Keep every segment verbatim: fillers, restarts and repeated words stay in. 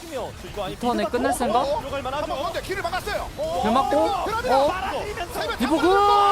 맞으면 이거 아니 턴에 끝낼 생각? 들어갈 만하죠. 한번 건데 길을 막았어요. 길 막고 어? 말아내면서 디보그!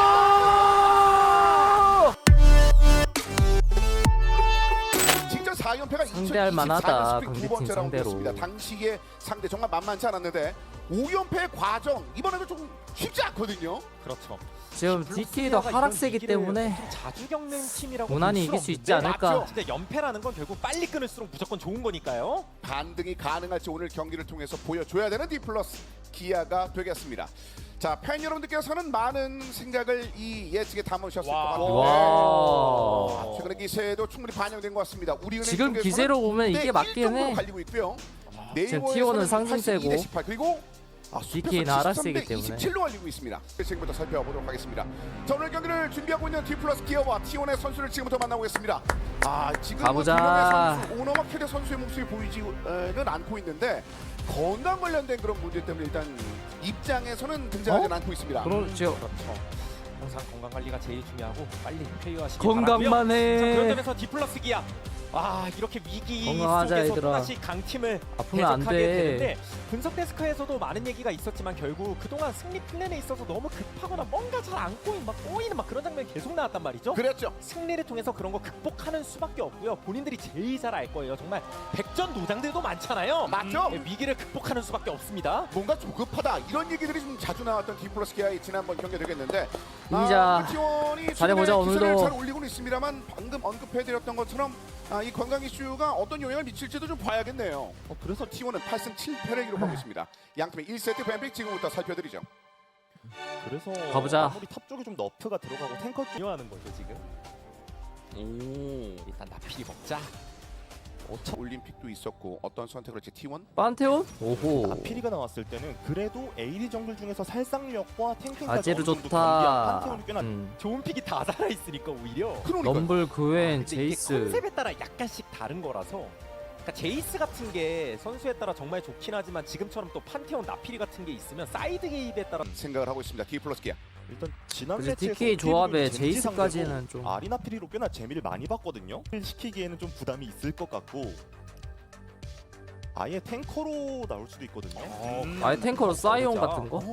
직전 사 연패가 상대할 만하다, 강대팀 상대로. 당시의 상대 정말 만만치 않았는데 오 연패의 과정 이번에는 좀 쉽지 않거든요. 그렇죠. 지금 디티도 하락세기 때문에 좀 자주 겪는 팀이라고 무난히 볼 이길 수 수 있지 없는데 않을까. 맞죠? 근데 연패라는 건 결국 빨리 끊을수록 무조건 좋은 거니까요. 반등이 가능할지 오늘 경기를 통해서 보여줘야 되는 디플러스 기아가 되겠습니다. 자, 팬 여러분들께서는 많은 생각을 이 예측에 담으셨을 것 같은데 와. 아, 최근의 기세도 충분히 반영된 것 같습니다. 우리은행 지금 쪽에서는 기세로 보면 이게 대 맞긴 일 정도로 해. 갈리고 있고요. 지금 티원은 상승세고 팔십이 대 십팔 그리고 아, 디티는 하락세기 때문에. 이십칠로 알리고 있습니다. 지금부터 살펴보도록 하겠습니다. 자, 오늘 경기를 준비하고 있는 디플러스 기어와 티원의 선수를 지금부터 만나보겠습니다. 아, 지금 가보자. 뭐 선수, 오너와 캐리 선수의 모습이 보이지는 않고 있는데 건강 관련된 그런 문제 때문에 일단 입장에서는 등장하지 어? 않고 있습니다. 그렇죠. 그렇죠. 항상 건강 관리가 제일 중요하고 빨리 쾌유하시길 건강만 바라고요. 해. 자, 그런 점에서 디플러스 기아. 아, 이렇게 위기 건강하자, 속에서 얘들아. 또다시 강팀을 아프면 안 대적하게 돼. 되는데 분석 데스크에서도 많은 얘기가 있었지만 결국 그동안 승리 플랜에 있어서 너무 급하거나 뭔가 잘 안 꼬인 막 꼬이는 막 그런 장면이 계속 나왔단 말이죠. 그랬죠. 승리를 통해서 그런 거 극복하는 수밖에 없고요. 본인들이 제일 잘 알 거예요. 정말 백전노장들도 많잖아요. 맞죠? 음, 위기를 극복하는 수밖에 없습니다. 뭔가 조급하다 이런 얘기들이 좀 자주 나왔던 디플러스 기아의 지난번 경기 되겠는데 이자 티원이 잘해보자, 오늘도. 잘 올리고는 있습니다만 방금 언급해드렸던 것처럼 아, 이 건강 이슈가 어떤 영향을 미칠지도 좀 봐야겠네요. 어, 그래서 티원은 팔 승 칠 패를 기록하고 있습니다. 양팀의 일 세트 뱀픽 지금부터 살펴드리죠. 그래서 가보자. 아무리 탑 쪽에 좀 너프가 들어가고 탱커 중요하는 거죠 지금. 오, 일단 나필이 먹자. 어차 올림픽도 있었고 어떤 선택을 할지 티원? 판테온? 오호. 아피리가 나왔을 때는 그래도 에이디 정글 중에서 살상력과 탱킹까지 아제르 어느 정도 좋다. 겸비한 판테온이 꽤나 음. 좋은 픽이 다 살아 있으니까 오히려. 그러니까 럼블, 그웬, 근데 이게 제이스. 컨셉에 따라 약간씩 다른 거라서. 그러니까 제이스 같은 게 선수에 따라 정말 좋긴 하지만 지금처럼 또 판테온 나필이 같은 게 있으면 사이드 게임에 따라 생각을 하고 있습니다. 디플러스 기아. 일단 지난 그래서 매치에서 티케이 조합에 젠지 제이스까지는 상대로 좀 아리나피리로 꽤나 재미를 많이 봤거든요. 시키기에는 좀 부담이 있을 것 같고 아예 탱커로 나올 수도 있거든요. 음. 아예 탱커로 사이온 진짜. 같은 거?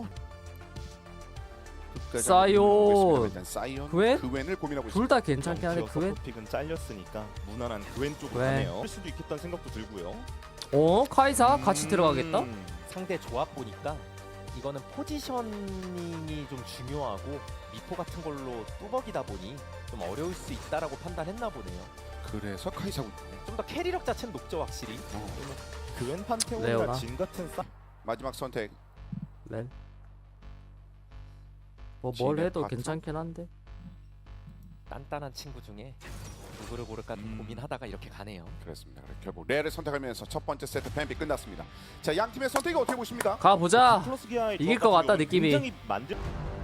끝까지 사이온. 한번 보겠습니다. 일단 사이온, 그웬? 그웬을 고민하고 둘 있습니다. 다 괜찮긴 한데 런치어 그웬? 서포픽은 잘렸으니까 무난한 그웬 쪽으로 그웬. 가네요. 할 수도 있겠다는 생각도 들고요. 어? 카이사? 같이 음. 들어가겠다? 상대 조합 보니까 이거는 포지셔닝이 좀 중요하고 미포 같은 걸로 뚜벅이다 보니 좀 어려울 수 있다라고 판단했나 보네요. 그래서 카이사군. 좀 더 캐리력 자체는 높죠 확실히. 그웬 레오나. 판테온이나 진 같은 싸 마지막 선택. 렐. 뭐 뭘 진의 해도 파트. 괜찮긴 한데. 단단한 친구 중에 누구를 고를까 좀 음. 고민하다가 이렇게 가네요. 그렇습니다. 결국 레를 선택하면서 첫 번째 세트 뱀픽 끝났습니다. 자, 양 팀의 선택이 어떻게 보십니까? 가보자. 플러스 기아의 이길 조합 것 같은 같다, 경우는 느낌이. 굉장히 만들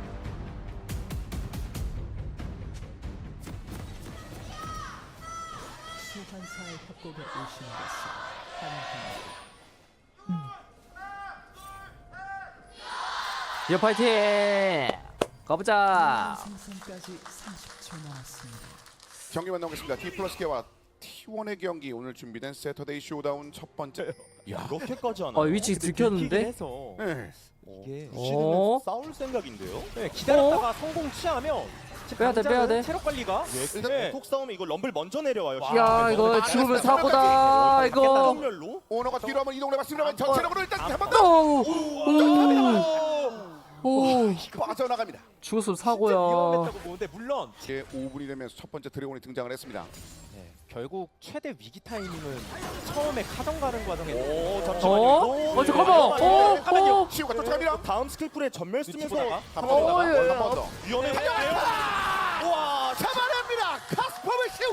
소환사의 협곡에 오신 것을 환영합니다. 여 파이팅! 가보자. 생선까지 삼십 초 남았습니다. 경기만 나오겠습니다. D 플러스 K와 티원의 경기 오늘 준비된 세터데이 쇼다운 첫 번째. 야, 그렇게까지 하나? 어 위치 들켰는데? 해서 네. 이게 어? 싸울 생각인데요. 네, 기다렸다가 성공 취하면 빼야 돼, 빼야 돼. 체력 관리가 일단 네. 톡 싸움에 이거 럼블 먼저 내려와요. 와, 야 이거 아, 죽으면 됐어. 사고다 이거. 정멸로 오너가 뒤로 한번 이동을 해봤습니다만 전체적으로 일단 한 번 오, 더 오, 오, 빠져나갑니다. 죽었으면 진짜 사고야. 위험했다고 보는데 물론 이제 오 분이 되면서 첫 번째 드래곤이 등장을 했습니다. 네, 결국 최대 위기 타이밍은 처음에 카정 가는 과정에 오 어? 잠시만요. 어 잠깐만. 어, 어. 치우가 쫓아갑니다. 다음 스킬 풀에 전멸 쓰면서 보다가 한 어, 번 더, 예, 예. 한 번 더. 위험해. 우와, 잡아냅니다. 카스퍼의 시우.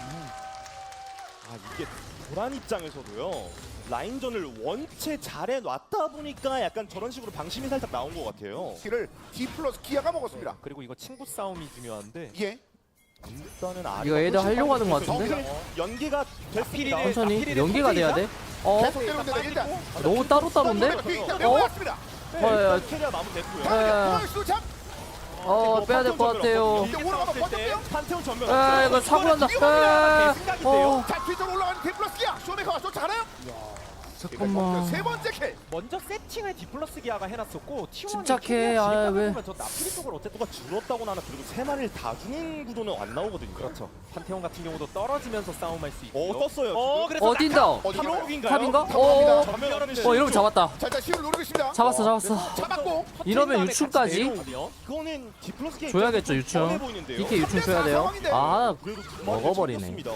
아 이게 도란 입장에서도요. 라인전을 원체 잘해 놨다 보니까 약간 저런 식으로 방심이 살짝 나온 것 같아요. 키를 D 플러스 기아가 먹었습니다. 그리고 이거 친구 싸움이 중요한데 예. 일단은 아 이거 애들 하려고 하는 것 같은데? 연기가 됐습니다. 아피리를- 천천히 아피리를 연계가 돼야 돼. 어? 계속 때리는데 일단 너무 따로 따로인데? 일단 어? 내려왔습니다. 어, 야, 캐리어 마무리됐고요. 야. 수 잡. 어 빼야 될 것 같아요. 이제 오너가 버텼대요. 판테온 전멸. 아 이거 사고 난다. 아, 어. 자, 뒤쪽으로 올라가는 D 플러스 기아. 쇼메이커가 쫓아가나요? 잠깐만. 세 번째 킬. 먼저 세팅을 디플러스 기아가 해놨었고 티원이 침착해. 아, 왜. 저 나프리 쪽을 어쨌든 누가 줄었다고 나는 그리고 세 마리를 다 주는 구도는 안 나오거든요. 그렇죠. 판테온 같은 경우도 떨어지면서 싸움할 수 있고. 어 떴어요. 어 지금. 그래서 어딘다? 어디로? 탑인가요? 탑인가? 어, 탑입니다. 어, 전면 어, 이러면 잡았다. 자, 일단 시우를 노리고 있습니다. 잡았어, 잡았어. 잡았고. 이러면 유충까지? 그거는 디플러스 게임 줘야겠죠, 입장에서 유충. 뻔해 보이는데요. 디케이 유충 줘야 돼요. 아, 그래도 두 마리를 먹어버리네. 잡혔습니다.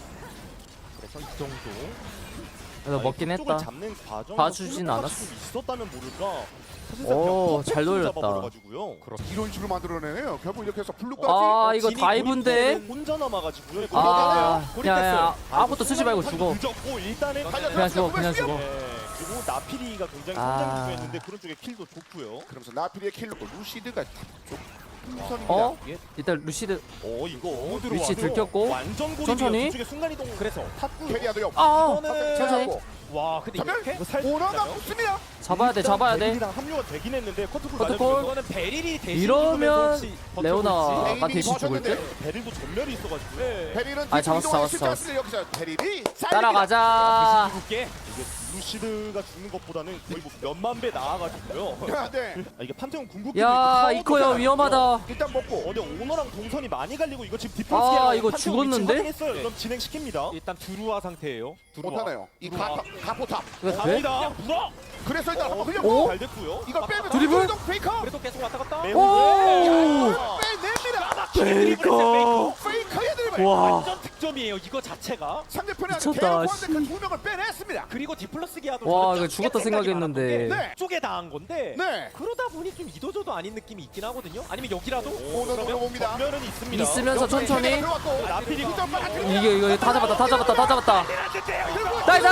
그래서 이 정도. 그래서 먹긴 쪽을 했다. 잡는 과정에서 봐주진 플로퍼가 않았어. 지금 있었다면 모를까. 사실상 오, 그냥 잘 돌렸다. 잡아버려가지고요. 이런 식으로 만들어내네요. 결국 이렇게 해서 블루까지. 아, 이거 진이 다이브인데? 혼자 남아가지고요. 아, 고립됐어요. 야, 야, 아무것도 쓰지 말고 죽어. 늦었고 일단은 달려, 그냥 죽어, 그냥 들어갔어요. 죽어. 네, 그리고 나피리가 굉장히 아. 성장 중이었는데 그런 쪽에 킬도 좋고요. 그러면서 나피리의 킬로 루시드가 쪽 풍선입니다. 어? 일단 루시드 어 이거 위치 들어와서 들켰고. 완전 고립이에요. 천천히. 그쪽에 순간 이동. 그래서 탑구 캐리아도요. 아, 이거는 천천히. 와 근데 전멸. 이렇게 이거 살 오너가 붙습니다. 잡아야 돼, 잡아야 돼. 베릴이랑 합류가 되긴 했는데 커트콜 커트콜. 맞아주면서 이거는 베릴이 대신 이러면 죽으면서 혹시 레오나가 에이밍이 대신 죽을 듯? 버텼는데 베릴도 전멸이 있어가지고 네. 베릴은 아, 잡았어, 이동하기 잡았어, 쉽지 잡았어. 않습니다. 여기서 베릴이 따라가자. 죽게. 이게 루시드가 죽는 것보다는 거의 뭐 몇만 배 나아가지고요. 야, 네. 아, 이게 판테온 궁극기 야, 이코야 위험하다. 일단 먹고. 어디 오너랑 동선이 많이 갈리고 이거 지금 아, 디플러스기랑 이거 죽었는데? 했어요. 그럼 진행시킵니다. 일단 두루와 상태예요. 두루와. 못하네요. 이 들어와. 가포, 가포탑. 이거 돼? 갑니다. 불어. 그래서 일단 한번 오? 흘렸고 잘 됐고요. 이걸 빼면 드리블? 이동 페이커. 그래도 계속 왔다 갔다. 매우 오! 빼냅니다. 베이커. 페이커의 드리블. 와. 완전 득점이에요. 이거 자체가. 상대편의 미쳤다, 대놓고한테 씨. 그두 명을 빼냈습니다. 그리고 디플러스 기아도 와, 저는 이거 죽었다 생각이 생각했는데. 많았던 게 네. 쪽에 당한 건데 네. 그러다 보니 좀 이도저도 아닌 느낌이 있긴 하거든요. 아니면 여기라도 오너 들어옵니다. 전멸은 있습니다. 있으면서 천천히. 나필이 이게 이거 다 잡았다, 다 잡았다, 다 잡았다. 나이스!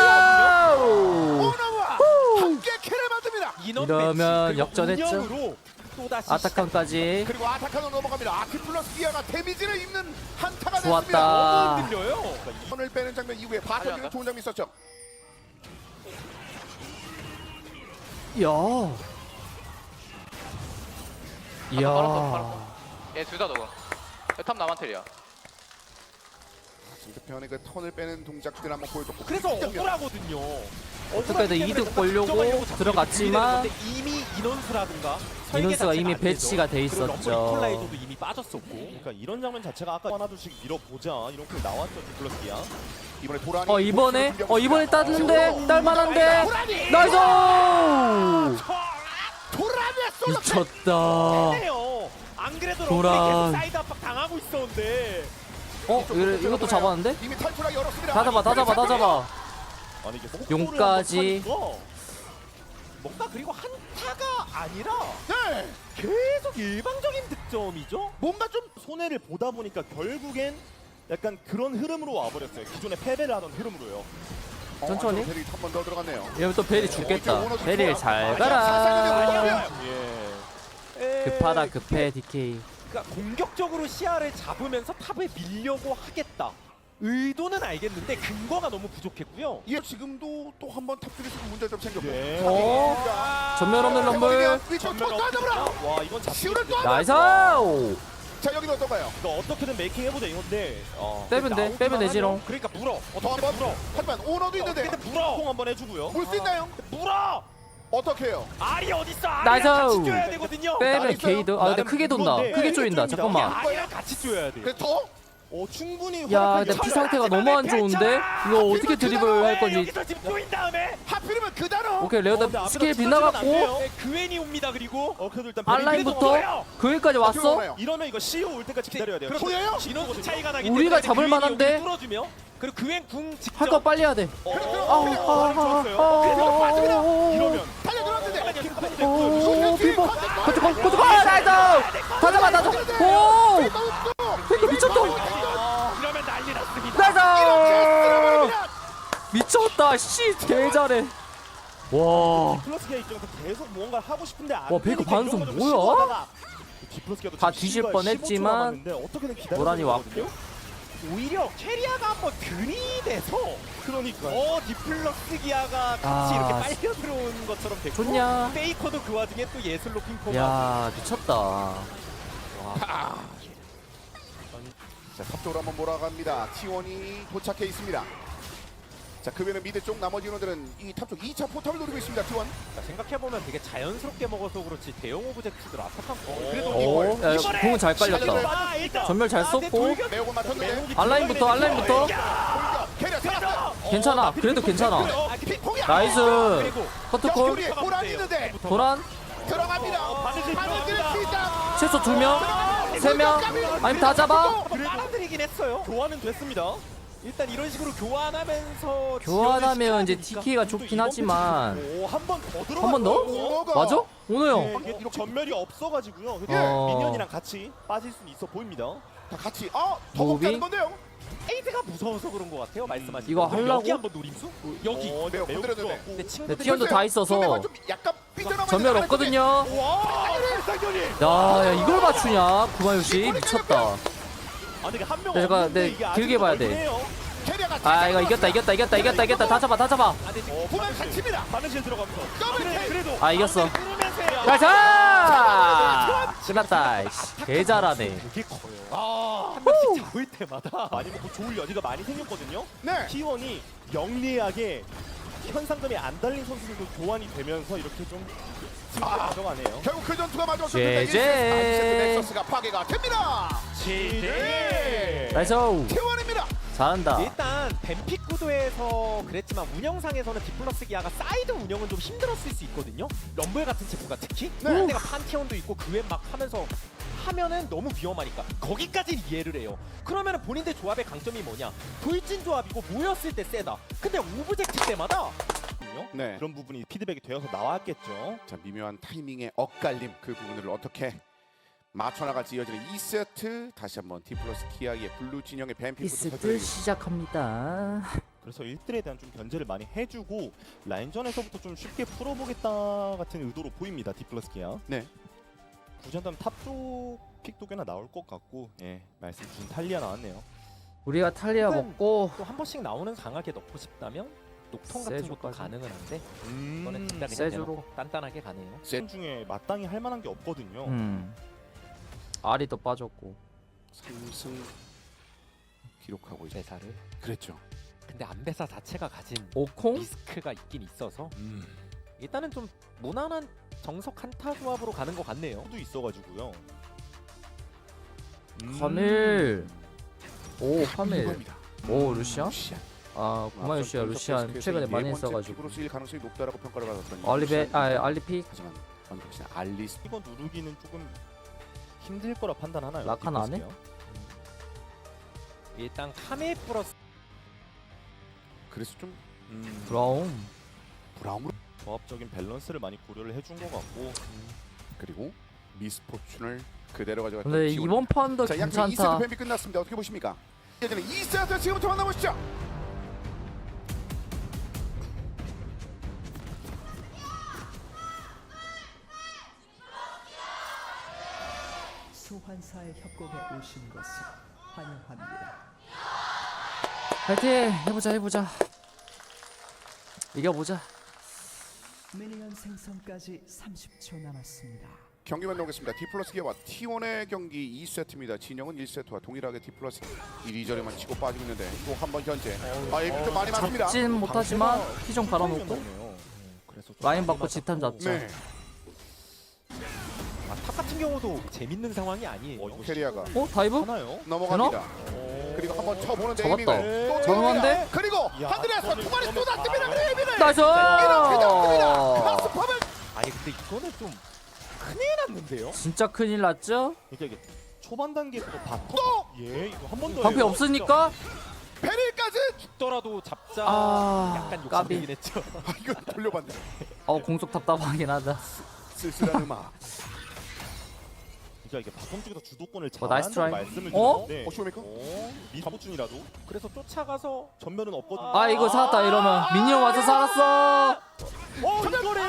오너와 함께 킬을 만듭니다. 인원 이러면 배치, 그리고 역전했죠. 운영으로 또다시 아타칸까지. 그리고 아타카노 넘어갑니다. 아키플러스 기아가 데미지를 입는 한타가 좋았다. 됐습니다. 들려요. 손을 빼는 장면 이후에 바텀 좋은 장면 있었죠. 이야. 이야. 얘 둘 다 녹음. 탑 나만텔이야. 상대편의 그 턴을 빼는 동작들 한번 보여줬고 그래서 억울하거든요. 어떻게든 이득 보려고 들어갔지만 근데 이미 인원수라든가 설계 인원수가 자체가 이미 안 되죠. 배치가 돼 그리고 럼블 있었죠. 이퀄라이저도 이미 빠졌었고. 그러니까 이런 장면 자체가 아까 하나둘씩 밀어보자 이런 게 나왔죠 디플러스기야. 이번에 도란이 어 이번에 공격을 어 이번에 따는데 딸만한데 도란이! 나이스 도란이의 솔로 킬! 미쳤다. 해요. 안 그래도 도란. 럼블이 계속 사이드 압박 당하고 있었는데. 어 이거, 이것도 잡았는데 이미 탈출하기 어렵습니다. 다 잡아 다 잡아 다 잡아. 아니 이게 용까지. 속도를 한번 뭔가 그리고 한타가 아니라 네. 계속 일방적인 득점이죠. 뭔가 좀 손해를 보다 보니까 결국엔 약간 그런 흐름으로 와버렸어요. 기존에 패배를 하던 흐름으로요. 천천히. 어, 벨이 한 번 더 들어갔네요. 이러면 또 베리 죽겠다. 베리 잘 가라. 예. 급하다 급해 디케이. 그러니까 공격적으로 시야를 잡으면서 탑을 밀려고 하겠다. 의도는 알겠는데 근거가 너무 부족했고요. 예, 지금도 또 한 번 탑들에서 문제 좀 생겼고. 예. 어 전멸 없는 럼블. 위쪽 또 따져보라. 와 이건 시우를 또 나이스. 자 여기는 어떤가요? 그러니까 어떻게든 메이킹 해보자 이건데. 어. 빼면 돼 빼면 되지롱. 그러니까 물어. 더 한 번. 물어. 하지만 오너도 있는데 근데 물어. 통 한번 해주고요. 물 수 있나요? 물어. 어떻게 해요? 알이 어딨어? 나이스. 알이랑 같이 줘야 되거든요. 빼면 게이드. 아 근데 크게 돈다. 물건데. 크게 쪼인다. 쪼인다. 잠깐만. 알이랑 같이 줘야 돼. 그래서 더? 어 충분히. 야 활약하기 근데 피 잘해. 상태가 너무 안 좋은데 이거 어떻게 드리블 할 건지. 여기서 지금 조인 다음에 하필이면 그 단어. 오케이 어, 근데 레오다 앞에가 스킬 찢어지면 안 빗나갔고 돼요. 네, 그웬이 옵니다. 그리고 어 그래도 일단 알라인부터 그일까지 왔어. 이러면 이거 씨오 올 때까지 기다려야 돼요. 그렇죠. 보여요? 인원수 차이가 나기 우리가 때문에 잡을 그웬이 만한데? 여기 뚫어주며 그리고 그웬 궁 직접 할 거 빨리 해야 돼. 어, 그렇죠. 어, 어, 어, 어, 좋았어요. 그래서 빠집니다. 이러면 달려들었는데. 오 비버. 고쳐 고쳐 고쳐. 아 나이스. 다 잡아 다 잡아. 오 이거 미쳤다. 아, 이러면 난리 났습니다. 나이스. 미쳤다. 씨 개잘해. 와. 디플러스기아 입장에서 계속 무언가를 하고 싶은데 안 와, 베이커 되니까 반응 이런 거좀 뭐야? 시도하다가 디플러스기아도 다 지금 뒤질 시간이 뻔했지만 십오 초 남았는데 어떻게든 기다려 도란이 왔고. 오히려 캐리아가 한번 들이대서 그러니까 어 디플러스 기아가 같이 아, 이렇게 빨려 들어온 것처럼 됐고 좋냐? 페이커도 그 와중에 또 예술로 핑퐁하고 야 미쳤다. 자, 탑쪽으로 한번 몰아갑니다. 티원이 도착해 있습니다. 자, 그 외에는 미드 쪽 나머지 인원들은 이 탑 쪽 이 차 포탑을 노리고 있습니다. 티 원. 생각해보면 되게 자연스럽게 먹어서 그렇지 대형 오브젝트들 아타칸 그래도 오, 이걸 야, 이번에 공은 잘 깔렸다. 아, 일단 전멸 잘 썼고 매우고 맞췄는데. 알라인부터 알라인부터 돌격. 캐리어 살았어요. 괜찮아. 그래도 괜찮아. 아, 픽폭이야. 나이스. 그리고 커트콜 옆구리에 호란이 있는데 도란 들어갑니다. 바느질 바느질 시작. 최소 두 명, 세 명, 아니면 다 잡아. 한번 빨아들이긴 했어요. 교환은 됐습니다. 일단 이런 식으로 교환하면서 교환하면 이제 지연을 티케이가 좋긴 하지만 오한 번 더 들어. 한 번 더? 오너가. 맞아? 오너 형. 네, 이게 전멸이 없어가지고요. 근데 어. 미니언이랑 같이 빠질 수는 있어 보입니다. 다 같이. 아, 더 무비? 먹자는 건데요. 에이드가 무서워서 그런 것 같아요. 말씀하신 이거 대로. 하려고? 여기 한번 노림수? 여기. 어, 매우 매우 건드렸는데. 좋았고. 근데 네, 친구들이 티언도 다 있어서 소매가 좀 약간 삐져나와 전멸 있는 없거든요. 와, 상현이. 야, 야 이걸 맞추냐? 구마요시 미쳤다. 아, 근데 한명 네, 잠깐, 네, 길게 봐야 돼. 캐리어가 아 이거 이겼다 이겼다 이겼다 이겼다 이겼다 다 잡아 다 잡아. 어, 보면 갇힙니다. 바느질 들어가면서. 더블 그래, 킬. 그래도 아 이겼어. 끊으면서 가자. 끝났다. 이씨, 개 잘하네. 이게 커요. 한 명씩 잡을 때마다 많이 먹고 좋을 여지가 많이 생겼거든요. 네. 티 원이 영리하게 현상금이 안 달린 선수들도 교환이 되면서 이렇게 좀 승리를 가져가네요. 결국 그 전투가 마저 제제. 넥서스가 파괴가 됩니다. 지대. 나이스. 티 원입니다. 잘한다. 일단 뱀픽 구도에서 그랬지만 운영상에서는 디플러스 기아가 사이드 운영은 좀 힘들었을 수 있거든요. 럼블 같은 제프가 특히 네. 상대가 판테온도 있고 그 외 막 하면서 하면은 너무 위험하니까 거기까지는 이해를 해요. 그러면은 본인들 조합의 강점이 뭐냐? 돌진 조합이고 모였을 때 세다. 근데 오브젝트 때마다 네. 그런 부분이 피드백이 되어서 나왔겠죠. 자, 미묘한 타이밍의 엇갈림 그 부분을 어떻게 맞춰나갈지 이어지는 이 세트. 다시 한번 디플러스 키아의 블루 진영의 뱀픽부터 이스트 살펴드리겠습니다. 시작합니다. 그래서 일 들에 대한 좀 견제를 많이 해주고 라인전에서부터 좀 쉽게 풀어보겠다 같은 의도로 보입니다. 디플러스 기아. 네. 굳이 한다면 탑쪽 픽도 꽤나 나올 것 같고, 예, 말씀 주신 탈리아 나왔네요. 우리가 탈리아 혹은 먹고 또 한 번씩 나오는 강하게 넣고 싶다면 녹통 같은 것도 세조까지. 가능은 한데 음, 이거는 진짜 그냥 세조로. 대놓고 단단하게 가네요. 셋 중에 마땅히 할 만한 게 없거든요. 음. 알이 또 빠졌고. 삼승 기록하고 있죠. 대사를. 그랬죠. 근데 안배사 자체가 가진 오콩? 리스크가 있긴 있어서 음. 일단은 좀 무난한 정석 한타 조합으로 가는 것 같네요. 도 있어가지고요. 음. 카밀. 오 카밀. 이겁니다. 오 루시안? 루시안. 아 구마요시야 루시안 최근에 많이 했어가지고. 으로 쓰일 가능성이 높다라고 평가를 받았던 알리베 아 알리픽 하지만 언더시는 알리스 이거 누르기는 조금 힘들 거라 판단하나요? 라칸 안 해? 디플러스 일단 카밀 플러스 그래서 좀 기아? 음, 브라움. 브라움으로 조합적인 밸런스를 많이 고려를 해준 것 같고. 그리고 미스포춘을 그대로 가져갔던 근데 T 원. 이번 판도 자, 양팀 이 세트 괜찮다. 뱀픽 끝났습니다. 어떻게 보십니까? 이제는 이 세트 지금부터 만나보시죠. 소환사의 협곡에 오신 것을 환영합니다. 파이팅 해보자 해보자. 이겨보자. 미니언 생성까지 삼십 초 남았습니다. 경기 만나보겠습니다. 디플러스 기아와 티 원의 경기 이 세트입니다. 진영은 일 세트와 동일하게 디플러스 이리저리만 치고 빠지고 있는데 또 한 번 현재 아, 이거 좀 많이 맞습니다. 잡진 못하지만 피좀 갈아놓고 나오네요. 그래서 좀 라인 많이 받고 집탐 맞았고. 잡자. 네. 아, 탑 같은 경우도 재밌는 상황이 아니에요. 어, 이거 캐리아가 어 다이브? 하나요? 넘어갑니다. 오. 그리고 한번 쳐보는 잡았다. 에이밍을 또 저렴한데? 잡습니다. 그리고 야, 하늘에서 저는 두 마리 이거는 쏟아집니다. 아, 에이밍을 나이스. 이렇게 잡습니다. 카스팝을 아니 근데 이거는 좀 큰일 났는데요. 진짜 큰일 났죠? 그러니까 이게 초반 단계에서도 바텀. 또 예, 이거 한 번 더. 방패 없으니까 베릴까지. 죽더라도 잡자. 아, 약간 까비. 욕심이긴 했죠. 아, 이거 돌려봤네. 어 공속 답답하긴 하다. 쓸쓸한 음악. 그러니까 이게 바텀 쪽에서 주도권을 어, 나이스 잘한다는 트라이. 말씀을 어? 드렸는데. 어, 쇼입니까? 어? 미스포춘이라도 그래서 쫓아가서 전면은 없거든요. 아 이거 살았다 이러면 미니언 와서 살았어. 어, 이거래요.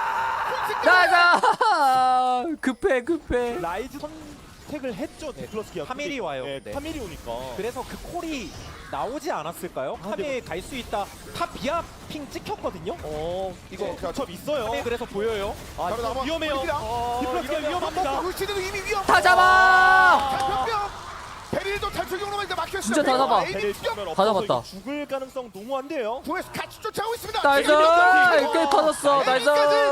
나가. 급해 급해. 라이즈 선택을 했죠. 디플러스 기아. 카밀이 와요. 네, 네. 카밀이 오니까. 그래서 그 콜이 나오지 않았을까요? 카밀 갈 수 있다. 탑 비아 핑 찍혔거든요. 어, 이거 이거 자, 첩 있어요. 카밀 그래서 보여요. 아, 바로 이거 남아 위험해요. 보입니다. 어, 디플러스 기아 이러면 위험합니다. 울시드도 이미 위험. 다 잡아. 장병병. 베릴도 탈출경로만 이제 막혔어요. 진짜 다 잡아. 베릴 정면 다 없어서 잡았다. 이거 죽을 가능성 너무 안 돼요. 구에서 같이 쫓아오고 있습니다. 나이스! 에이밍까지. 꽤 터졌어. 나이스!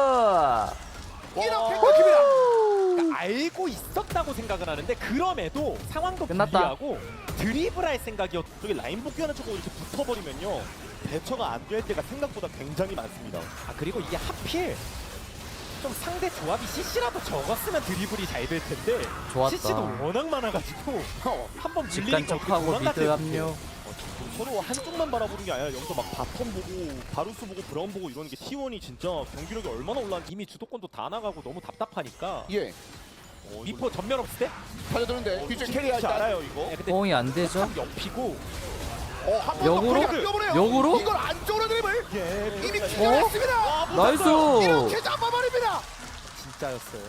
이렇게 끊깁니다. 그러니까 알고 있었다고 생각을 하는데 그럼에도 상황도 끝났다. 불리하고 드리블할 생각이었. 저기 라인 복귀하는 척하고 이렇게 붙어버리면요. 대처가 안 될 때가 생각보다 굉장히 많습니다. 아 그리고 이게 하필 좀 상대 조합이 씨씨라도 적었으면 드리블이 잘 될 텐데 좋았다. 씨씨도 워낙 많아가지고 어, 한번 직간 밀리니까 척하고 미드 합류. 어, 서로 한쪽만 바라보는 게 아니라 여기서 막 바텀 보고 바루스 보고 브라운 보고 이러는 게 티 원이 진짜 경기력이 얼마나 올라왔는지. 이미 주도권도 다 나가고 너무 답답하니까 예. 어, 이거 미포 전면 없을 때? 달려드는데 뒤쪽 캐리할 혹시 때. 알아요 이거? 네, 근데 호응이 안 되죠? 참 옆이고 어, 한번 역으로? 뛰어보네요. 역으로? 이걸 안쪽으로 드립을 예. 이미 어? 기절했습니다. 나이스! 이렇게 잡아버립니다. 진짜였어요.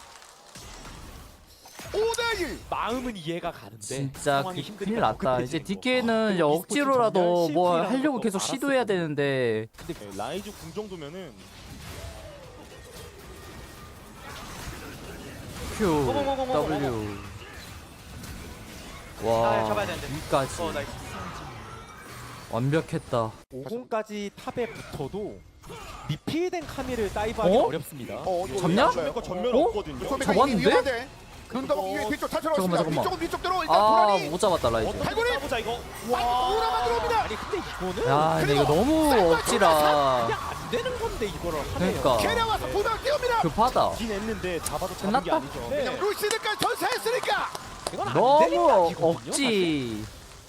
오 대 일. 마음은 이해가 가는데 진짜 상황이 그- 힘드니까 큰일 더 났다. 급해지는 이제 거. 디케이는 이제 그리고 억지로라도 e스포츠 뭐 전멸 하려고 실패라는 계속 것도 시도해야 알았어요. 되는데 네, 라이즈 궁 정도면은 Q, 고고고고고. W 아, 와 잡아야 되는데. 여기까지 어 나이스. 완벽했다. 오공까지 탑에 붙어도 미필된 카미를 다이브하기 어? 어렵습니다. 어, 이거 잡냐? 왜 거 전면 어? 없거든요. 소매가 잡았는데? 이미 위험한데. 눈 감고 위에 뒤쪽 탈출하고 잠깐만, 있습니다. 잠깐만. 위쪽은 위쪽대로 일단 아 도란이 못 잡았다 라이즈. 발굴이 가보자 이거. 오라만 들어옵니다. 아니 근데 이거는 야 근데 이거 그리고 너무 쌀 억지라. 그냥 안 되는 건데 이거를 하네요. 그러니까 캐리어 와서 부당 띄웁니다. 급하다. 긴 했는데 잡아도 잡은 게 끝났다? 아니죠. 네. 그냥 루시드까지 전사했으니까. 이건 안 너무 되는 각이거든요, 억지.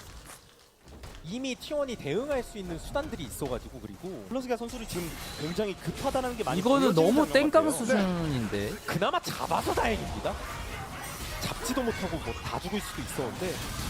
이미 티원이 대응할 수 있는 수단들이 있어가지고 그리고 플러스가 선수를 지금 굉장히 급하다는 게 많이 이거는 보여지는 너무 장면 땡깡 같아요. 수준인데. 그나마 잡아서 다행입니다. 잡지도 못하고 뭐 다 죽을 수도 있었는데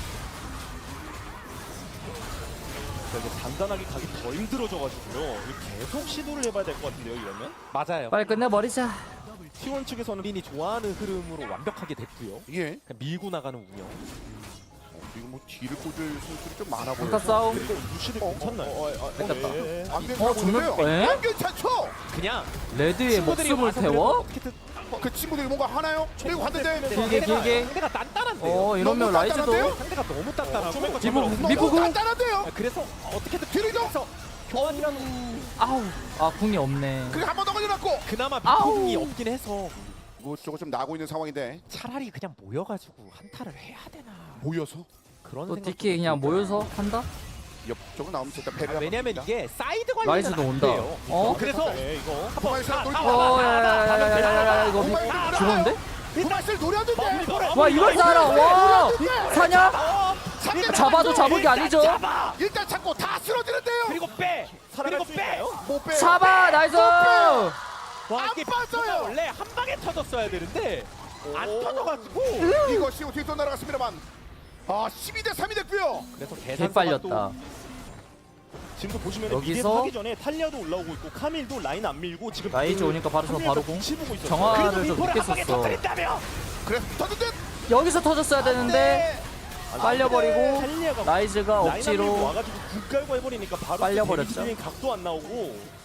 자, 이제 단단하게 가기 더 힘들어져가지고요. 이거 계속 시도를 해봐야 될 것 같은데요, 이러면? 맞아요. 빨리 끝내버리자. 티 원 측에서는 본인이 좋아하는 흐름으로 완벽하게 됐고요. 예. 그냥 밀고 나가는 운영. 어, 지금 뭐 뒤를 꽂을 선수들이 좀 많아 강타 보여요. 싸움. 그리고 루시드 어, 괜찮나요? 어, 어, 어, 어, 뺏겼다. 예, 예. 안 어, 정말- 괜찮은데요? 에? 안 괜찮죠? 그냥 레드의 친구들이 목숨을 와서 태워? 그래도 어떻게든 어, 그 친구들이 뭔가 하나요? 그리고 왔는데 길게, 상대가- 길게. 상대가 단단한데요. 어 이러면 너무 라이즈도 단단한데요? 상대가 너무 단단하고 좀 미포 너무 미포구. 간단한데요? 아, 그래서 어떻게든 뒤를 좀 서 교환이라는 아우 아 궁이 없네. 그리고 한 번 더 걸려놨고 그나마 아우. 미포궁이 없긴 해서 이것저것 좀 나고 있는 상황인데 차라리 그냥 모여가지고 한타를 해야 되나 모여서 그런 또 생각도 디케이 그냥 들고요. 모여서 한다? 옆쪽으로 나오면 일단 아, 배를 왜냐면 이게 사이드 관리는 라이즈도 안 온다. 돼요. 어? 그래서 네, 이거. 부마이스를 노리 어 야야야야야야 이거 미- 죽었는데? 부마이스를 노렸는데 와 이걸 살아 와 사냐? 상대 잡아도 잡은 게 아니죠? 일단 잡고 다 쓰러지는데요. 그리고 빼 살아갈 그리고 수 빼 있나요? 못 빼요. 잡아 나이스. 와 안 이게 빠져요. 원래 한 방에 터졌어야 되는데 안 터져가지고 이것이 뒤로 날아갔습니다만 아 십이 대 삼이 됐고요. 그래서 개 계산서가 빨렸다. 또 지금도 보시면 여기서 여기서 하기 전에 탈리아도 올라오고 있고 카밀도 라인 안 밀고 지금 라이즈 그 오니까 바로 저 카밀도 바로 공. 눈치 보고 있었어요. 정화를 그래도 좀 미포를 늦게 한 방에 썼어. 터뜨린다며 그래서 터진 듯 여기서 터졌어야 되는데 빨려버리고 탈리아가 라이즈가 라인 안 밀고 억지로 와가지고 국 깔고 해버리니까 바로 빨려버렸죠. 데미지 각도 안 나오고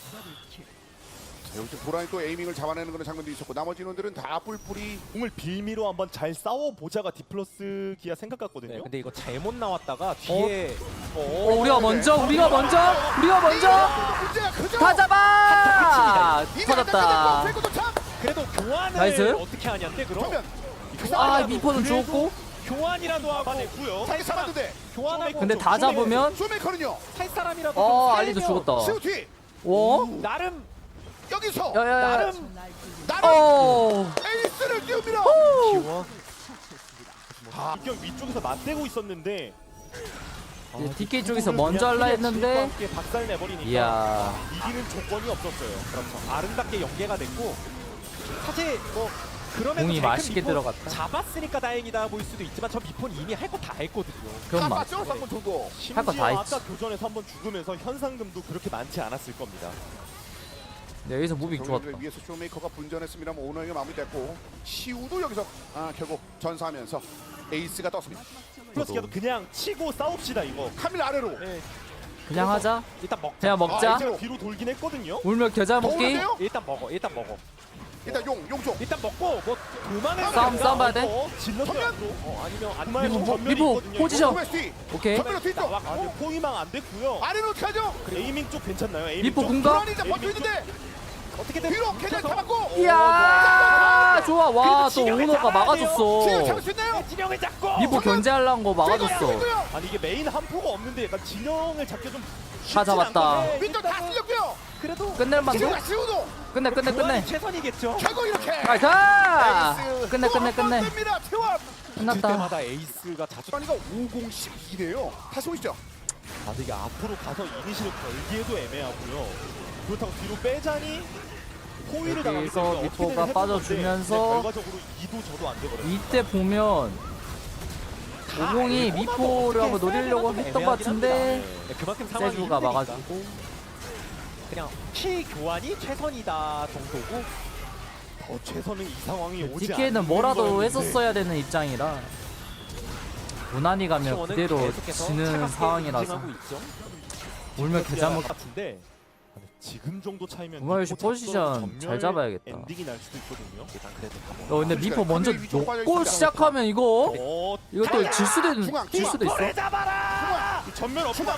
자, 여기서 도란이 또 에이밍을 잡아내는 그런 장면도 있었고 나머지 인원들은 다 뿔뿔이 공을 빌미로 한번 잘 싸워보자가 디플러스 기아 생각 같거든요. 네, 근데 이거 잘못 나왔다가 뒤에 어, 우리가 먼저 우리가 먼저 우리가 먼저 문제가 크죠. 다 잡아 이미 터졌다. 안 참. 그래도 교환을 나이스. 어떻게 하냐인데 그럼 그러면 아 미포는 죽었고 교환이라도 하고 잡아냈고요. 자기 살았는데 교환하고 근데 다 잡으면 쇼메이커는요. 살 사람이라도 어 좀 알리도 살면 죽었다. 시우티 어? 나름 여기서 야야야. 나름 나는 어. 에이스를 띄웁니다. 기워 아, 입경 위쪽에서 맞대고 있었는데 디케이 쪽에서 먼저 할라 했는데 함께 박살 내버리니까 이야 이기는 조건이 없었어요. 그렇죠. 아름답게 연계가 됐고 사실 뭐 그러면 공이 맛있게 들어갔다. 잡았으니까 다행이다 보일 수도 있지만 저 미포는 이미 할 거 다 했거든요. 그건 맞. 맞죠? 한번 두고. 할거다 심지어 했지. 아까 교전에서 한번 죽으면서 현상금도 그렇게 많지 않았을 겁니다. 네, 여기서 무빙 좋았다. 경기를 위해서 쇼메이커가 분전했습니다만 오너에게 마무리됐고 시우도 여기서 아, 결국 전사하면서 에이스가 떴습니다. 플러스 기아도 그냥 치고 싸웁시다 이거. 카밀 아래로. 네, 그냥 하자. 일단 먹자. 그냥 먹자. 아, 이제 뒤로 돌긴 했거든요. 울며 겨자 더 먹기. 오는데요? 일단 먹어. 일단 먹어. 일단 용 용종 일단 먹고 뭐 도망을 싸움, 가니까 싸움 봐야 돼. 어, 질렀어요. 정면! 어, 아니면 안 정말 미포, 전면이 미포, 있거든요, 포지션. 이거. 정면 뒤 오케이. 정면으로 뒤쪽 아니 포위망 안 됐고요. 아래로 어떻게 하죠? 에이밍 쪽 괜찮나요? 에이밍 미포 쪽? 공각. 불안이 이제 버텨 있는데 어떻게든 뒤로 계단 잡았고 이야 좋아 와 또 진영을 오너가 잡아야 돼요. 지금 막아줬어. 잡을 수 있나요? 진영을 잡고 미포 견제하려는 거 막아줬어. 아니 이게 메인 한 포가 없는데 약간 진영을 잡기 좀 다 잡았다. 윈도 다 쓸렸고요. 그래도 끝낼 만도? 지금 시우도 끝내 끝내 끝내. 도안이 최선이겠죠. 결국 이렇게 나이스. 에이스 끝내 또 끝내 한번 끝내. 뜹니다. 태원 들 끝났다. 때마다 에이스가 자주 주환이가 오공십이래요. 다시 오시죠. 아 근데 이게 앞으로 가서 이니시를 걸기에도 애매하고요. 그렇다고 뒤로 빼자니 포위를 당하기 여기서 때문에 미포가 어떻게든 해볼 빠져주면서 건데, 네, 결과적으로 이도 저도 안 되거든요. 이때 보면 오공이 미포를 한번 노리려고 했던 것 같은데 네, 그만큼 상황이 세주가 힘드니까. 막아주고 그냥 키 교환이 최선이다 정도고 더 최선은 이 상황이 오지 디케이는 않는 뭐라도 거였는데. 했었어야 되는 입장이라 무난히 가면 시원은 그대로 계속해서 지는 차갑게 상황이라서 응징하고 있죠. 울면 개잘못 같은데 아니, 지금 정도 차이면 우마요시 미포 포지션 잡고 잘 잡아야겠다. 엔딩이 날 수도 있거든요. 일단 그래도 어 근데 미포 먼저 위쪽 빠져 놓고 있습니다. 시작하면 이거 어, 이거 또 질 수도 있, 중앙, 질 수도 있어. 볼을 잡아라. 이 전면 없다.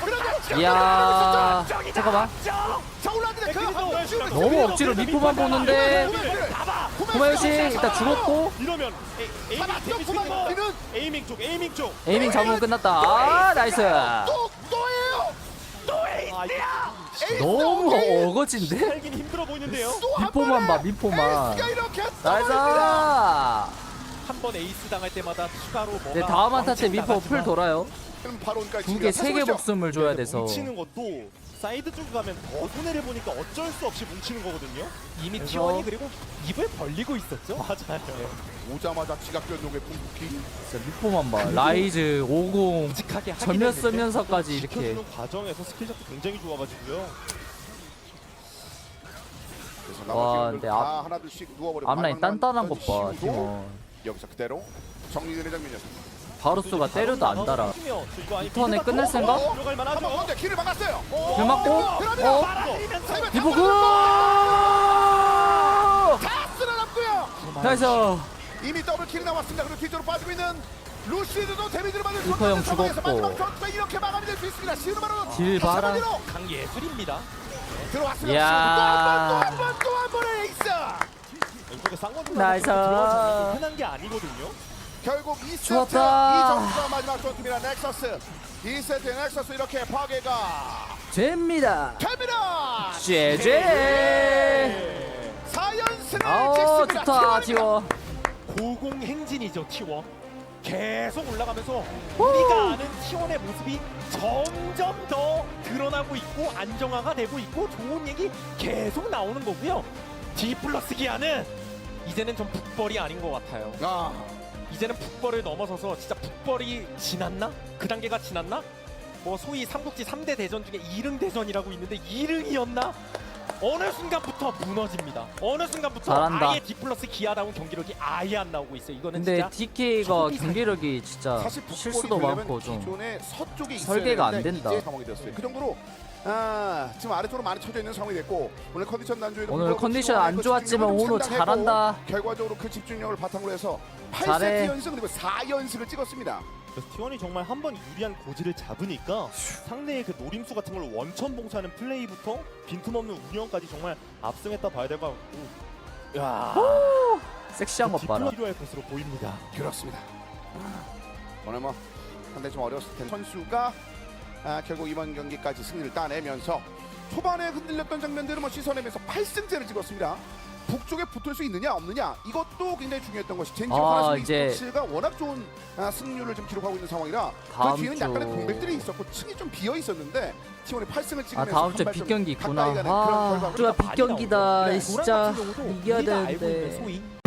이야 잠깐만 자 올라왔는데 그 한번 쭉 너무 억지로 미포만 보는데 구마요시 일단 죽었고 이러면 에, 에이밍 데뷔 구만 거 뒤는 에이밍 쪽 에이밍 쪽. 에이밍 잡으면 끝났다. 아 나이스. 또 또예요. 아, 이게 너무 어거진데? 살긴 힘들어 보이는데요. 또한 미포만 봐 번에 미포만. 에이스가 이렇게 나이스. 떠버립니다. 한 번 에이스 당할 때마다 추가로 뭐가 네 다음 한타 때 미포 풀 나가지만 돌아요. 그럼 바로 온까지 두 개 세 개 목숨을 줘야 돼서. 뭉치는 것도 사이드 쪽에 가면 더 손해를 보니까 어쩔 수 없이 뭉치는 거거든요. 이미 그래서- 티원이 그리고 입을 벌리고 있었죠. 맞아요. 오자마자 지각 변동의 궁극기. 진짜 미포만 봐. 라이즈 오공 묵직하게 하긴 전면 했는데 쓰면서까지 이렇게 지켜주는 과정에서 스킬샷도 굉장히 좋아가지고요. 그래서 와, 나머지 근데 다 앞- 하나둘씩 누워버리고 앞라인 마지막만 단단한 것 봐. 시우도 팀원. 여기서 그대로 정리되는 장면이었습니다. 바루스가 때려도 안 달아. 이거 아니, 이 턴에 미드가 끝낼 더 생각? 들어갈 만하죠. 한번 먼저 길을 막았어요. 길 막고 어? 말아들이면서 미포 그 다 쓸어놨고요. 나이스. 이미 더블 킬이 나왔습니다. 그리고 뒤쪽으로 빠지고 있는 루시드도 데미지를 받을 수 리퍼 형 없는 상황에서 죽었고. 마지막 전투가 이렇게 마감이 될 수 있습니다. 시우는 바로 딜 봐라. 한차원으로 강예술입니다. 들어왔습니다. 이야. 또 한 번 또 한 번의 에이스. 이쪽에 쌍꺼풀 나이스. 들어가서 흔한 게 아니거든요. 결국 이 세트 좋았다. 이 점수가 마지막 전투입니다. 넥서스 이 세트 넥서스 이렇게 파괴가 됩니다. 됩니다. 제제. 사 연승을 아우 찍습니다. 좋다 티원입니다. 티워. 고공행진이죠 티원. 계속 올라가면서 우리가 아는 티원의 모습이 점점 더 드러나고 있고 안정화가 되고 있고 좋은 얘기 계속 나오는 거고요. D 플러스 기아는 이제는 좀 북벌이 아닌 것 같아요. 아, 이제는 북벌을 넘어서서 진짜 북벌이 지났나? 그 단계가 지났나? 뭐 소위 삼국지 삼 대 대전 중에 이릉 대전이라고 있는데 이릉이었나? 어느 순간부터 무너집니다. 어느 순간부터 잘한다. 아예 D 플러스 기아다운 경기력이 아예 안 나오고 있어요. 이거는 근데 진짜 디케이가 초비 경기력이 진짜 사실 북fol이 실수도 되려면 많고 좀 기존의 서쪽에 있어야 설계가 안 되는데 된다. 이제 상황이 됐어요. 그 정도로 아, 지금 아래쪽으로 많이 쳐져 있는 상황이 됐고 오늘 컨디션 난조에도 오늘 불구하고 컨디션 치고는 안 그 좋았지만 집중력을 좀 오늘 상당했고 잘한다. 결과적으로 그 집중력을 바탕으로 해서 팔 잘해. 세트 연승 그리고 사 연승을 찍었습니다. 그래서 티원이 정말 한 번 유리한 고지를 잡으니까 상대의 그 노림수 같은 걸 원천 봉쇄하는 플레이부터 빈틈없는 운영까지 정말 압승했다 봐야 될 것 같고. 야, 섹시한 것 봐라. 필요할 것으로 보입니다. 그렇습니다. 오늘 뭐 상당히 좀 어려웠을 텐데 선수가 아, 결국 이번 경기까지 승리를 따내면서 초반에 흔들렸던 장면들을 뭐 씻어내면서 팔 승째를 찍었습니다. 북쪽에 붙을 수 있느냐 없느냐 이것도 굉장히 중요했던 것이 젠지 아, 하나스 이제 스포츠가 워낙 좋은 아, 승률을 좀 기록하고 있는 상황이라 다음 그 뒤에는 주- 약간의 공백들이 있었고 층이 좀 비어 있었는데 티원이 팔 승을 아 찍으면서 다음 주에 한발 좀 빅경기 있구나. 가까이 가는 그런 아 결과물이 주가 좀 많이 빅경기다. 나오죠. 네, 진짜 도란 같은 경우도 이겨야 우리가 알고 있는 되는데. 소위